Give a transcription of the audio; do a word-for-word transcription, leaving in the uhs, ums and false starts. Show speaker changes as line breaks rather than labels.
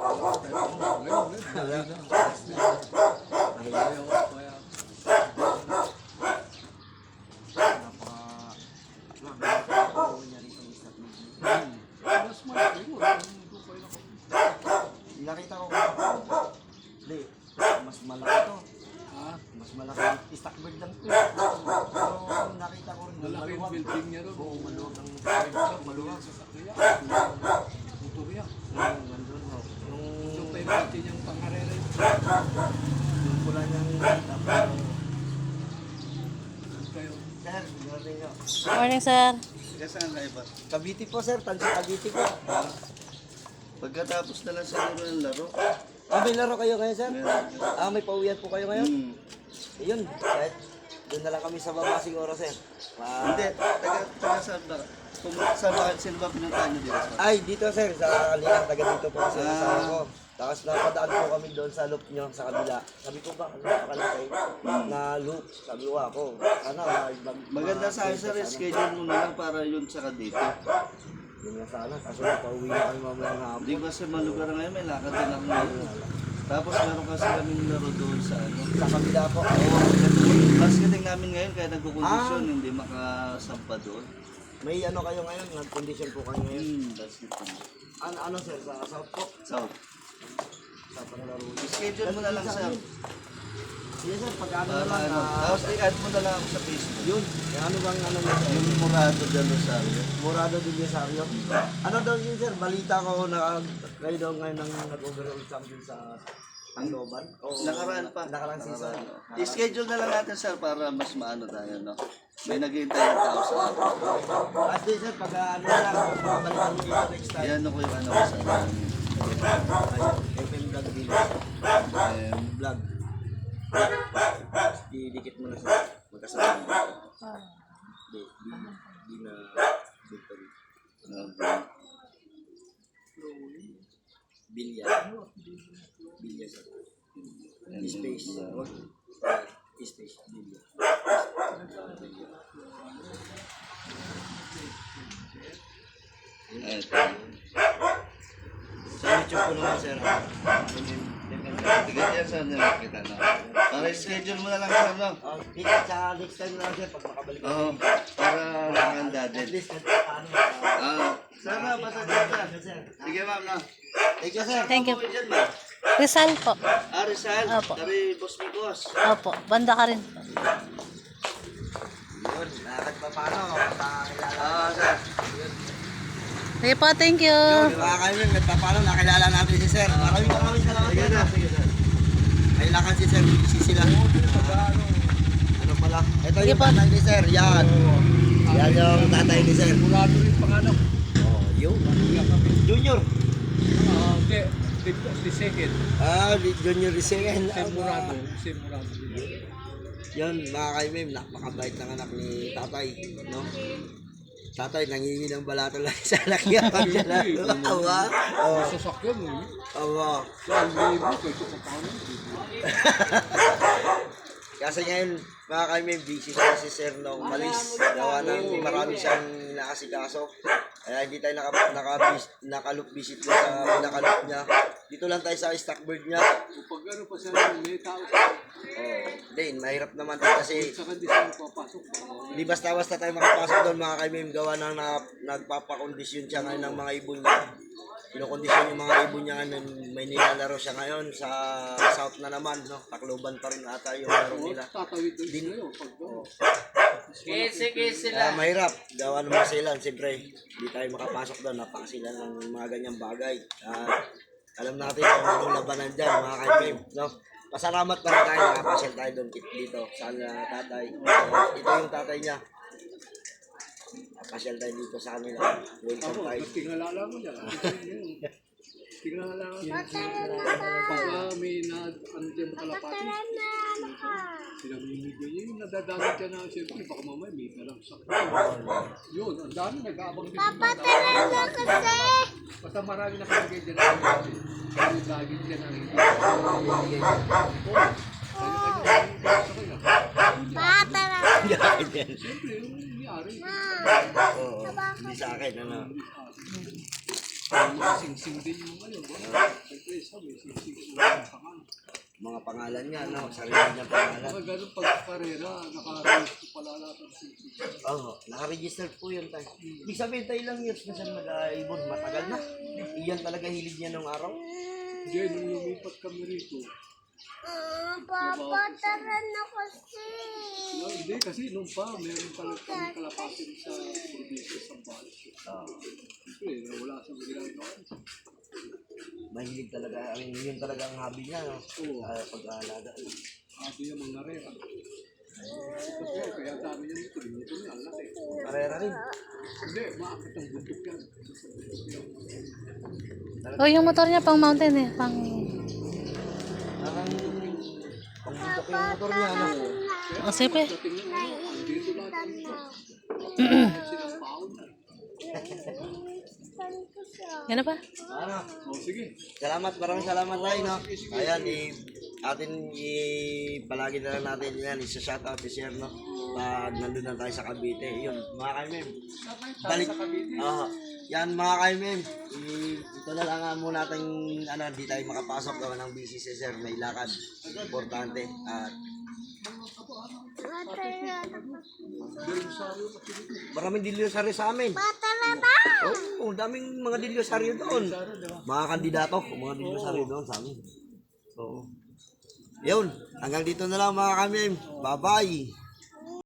Nakita ko hindi, mas malaki to. Ha? Mas malaki. Stockbird lang to. Pero nakita ko rin.
Malaki yung building niya rin.
Oo, maluwag ang
Maluwag sa sakya. Motorya.
Yung nandun mo.
Yung
Yung
tayo natin yung pangarera yun.
yung pula niyang tapos.
Kayo.
Sir, morning nyo.
Morning, sir.
Kaya saan kayo ba?
Cavite po sir, Tansi Cavite po.
Pagkatapos na lang siguro ng laro.
Ah, may laro kayo ngayon sir?
Meron.
Ah, may pauwian po kayo ngayon?
Hmm.
Ayun, kahit doon na lang kami sa baba siguro sir. Ma-
Hindi, taga, taga saan ba? Kung saan ba, sino ba pinuntahan nyo dito?
Ay, dito sir, sa Kalinang, taga dito po kasi
Ah.
kasama ko. Tapos napadaan po kami doon sa loop nyo, sa kabila. Sabi ko ba, ano pa kayo na loop? Sabi ko ako, sana mag-
Maganda sa akin sir,
sana.
schedule mo na lang para yun saka dito.
Yun nga sana, kaso pauwi na kami mamaya ng hapon.
Hindi kasi malugar ngayon, may lakad din ako ngayon. Tapos meron kasi kaming laro doon sa ano.
Sa kabila po.
Oo, basketing namin ngayon kaya nagkukondisyon,
Ah.
hindi makasampa doon.
May ano kayo ngayon, nag-condition po kayo ngayon.
Hmm, basketball.
Ano, ano sir, sa South po?
So,
Sa panglaro.
schedule mo na lang sir.
Sige sir, pag ano na
Para
lang,
ano,
ah,
tapos i-add mo na lang ako sa Facebook.
yun, ano bang ano mo sir?
Yung Murado del Rosario.
Morado din yung Sario. Ano daw yun sir, balita ko na kayo daw ngayon ang nag-overall champion sa Tangloban. Oo.
Nakaraan pa.
Nakaraan season.
Nakaraan. I-schedule na lang natin sir para mas maano tayo, no? May naghihintay ng tao sa akin.
At least sir, pag ah, ano na lang, makabalikan mo dito next time.
Yan ako yung ano ko sa akin.
F M Vlog Village.
Um,
Vlog. Didikit mo na sir. Magkasama. Di, di, di na victory. Bilya. Bilya sir. Space. Space. Bilya.
Ito.
Sa YouTube ko naman sir.
Tiga yan saan nila kita, no? Para i-schedule mo na lang sir, no?
Oh, ikaw sa next time na lang sir pag makabalik ka.
Oo. Para nakahanda
At
din.
least kahit paano.
Ah, sana, basta dyan sir. Sige ma'am, no?
Thank you sir.
Thank you.
Ano po dyan, ma'am?
Rizal po.
Ah, Rizal.
Opo.
Dari boss mi boss.
Opo. Banda ka rin.
Yun, nakakit pa paano. Nakakilala.
Ah, sir.
Sige po, thank you.
Yun, mga kaibigan, kahit pa paano nakilala natin si sir. Maraming maraming salamat
Sige
sir.
na, sige sir.
May lakad si sir, busy sila. Ano pala? Ito
Sige
yung
po.
tatay ni sir, yan. Yan yung tatay ni sir.
Murado rin pangalan.
Oh, yun. Junior.
Ah, hindi. The, the second.
Ah, junior second.
Si Murado. Si Murado.
Yun, mga kaibigan, napakabait ng anak ni tatay. No? Tatay, nangingi ng balato lang sa anak niya. Pag siya na, awa. Oh,
Sasakyan mo.
awa.
Saan libo? Kaya ito pa paano?
Kasi ngayon, mga kaibigan, busy siya si Sir no, umalis. Gawa ng marami siyang nakasikaso. Kaya hindi tayo naka, naka, naka-loop visit doon sa pinaka-loop niya. Dito lang tayo sa stockbird niya.
Pag ano pa siya, may tao sa
Oh, din, mahirap naman din kasi
saka di siya papasok.
hindi basta-basta tayo makapasok doon mga kaibigan. Gawa ng na, nagpapakondisyon siya ngayon ng mga ibon niya. Kinokondisyon yung mga ibon niya ngayon. May nilalaro siya ngayon sa South na naman. No? Tacloban pa rin ata yung laro nila.
Tatawid doon sila yun. Pag ano.
Kaya mahirap. Gawa ng mga silan. Siyempre, hindi tayo makapasok doon. Napakasilan ng mga ganyang bagay. At alam natin kung anong labanan dyan, mga kaibigan. No? Pasalamat pa rin tayo. Nakapasyal tayo doon dito sa uh, tatay. Uh, ito yung tatay niya. Nakapasyal tayo dito sa kanila. Welcome
Ako,
tayo.
tingala mo dyan. Tingala mo dyan. Pagka may na, ano dyan makalapati. Pinamimigay niya yung nadadamit dyan na siyempre baka mamaya may dalang sakit. Yun, ang dami nag-aabang din. Papa, talaga kasi! Basta marami nakalagay dyan na dami. Kaya lagi dyan ang hindi.
Bata na.
Siyempre, yung nangyari.
Oo, hindi sa akin. Ano?
Sing-sing din yung ngayon. Siyempre, isa, may sisig na pangalan.
Mga pangalan niya, no? Sarili niya pangalan.
Mga ganun pag karera, naka-register pala lahat ng sisig.
Oo, naka-register po yun tayo. Ibig sabihin tayo ilang years na siya mag-ibon, matagal na. Iyan talaga hilig niya nung araw.
Hindi, nung lumipat kami rito,
Ah, Papa, tara na kasi.
no, hindi kasi nung pa, meron pala kami kalapasin sa probinsya sa Bales.
Oo.
Siyempre, wala sa ginagawa.
Mahilig talaga, I mean, yun talaga ang hobby niya, no?
Oo.
Uh, pag-aalaga.
Sabi niya mga rera. Kasi kaya sabi niya nito, dito niya, ang laki.
Karera rin.
Hindi, maakit ang bundok yan.
Oh, yung motor niya pang mountain eh. Pang...
Parang pangbundok yung motor niya, no?
Oh, sipe.
Tingnan mo, dito lahat ang silang paon na.
Yan na ba?
Ano?
O sige,
Salamat, maraming salamat tayo, no? Ayan, i atin i palagi na lang natin yan, isa-shoutout, i-share, no? Pag nandun na tayo sa Cavite. Yun, mga kaimim. Balik. Oo. Yan, mga kaimim. I- Ito na lang nga muna natin, ano, di tayo makapasok gawa ng busy si Sir. May lakad. Importante. At maraming dilyosaryo sa amin.
Tara na.
Oo, oh, daming mga dilyosaryo doon. Mga kandidato, mga dilyosaryo doon sa amin. Oo. Yun, hanggang dito na lang mga kamim. Bye-bye.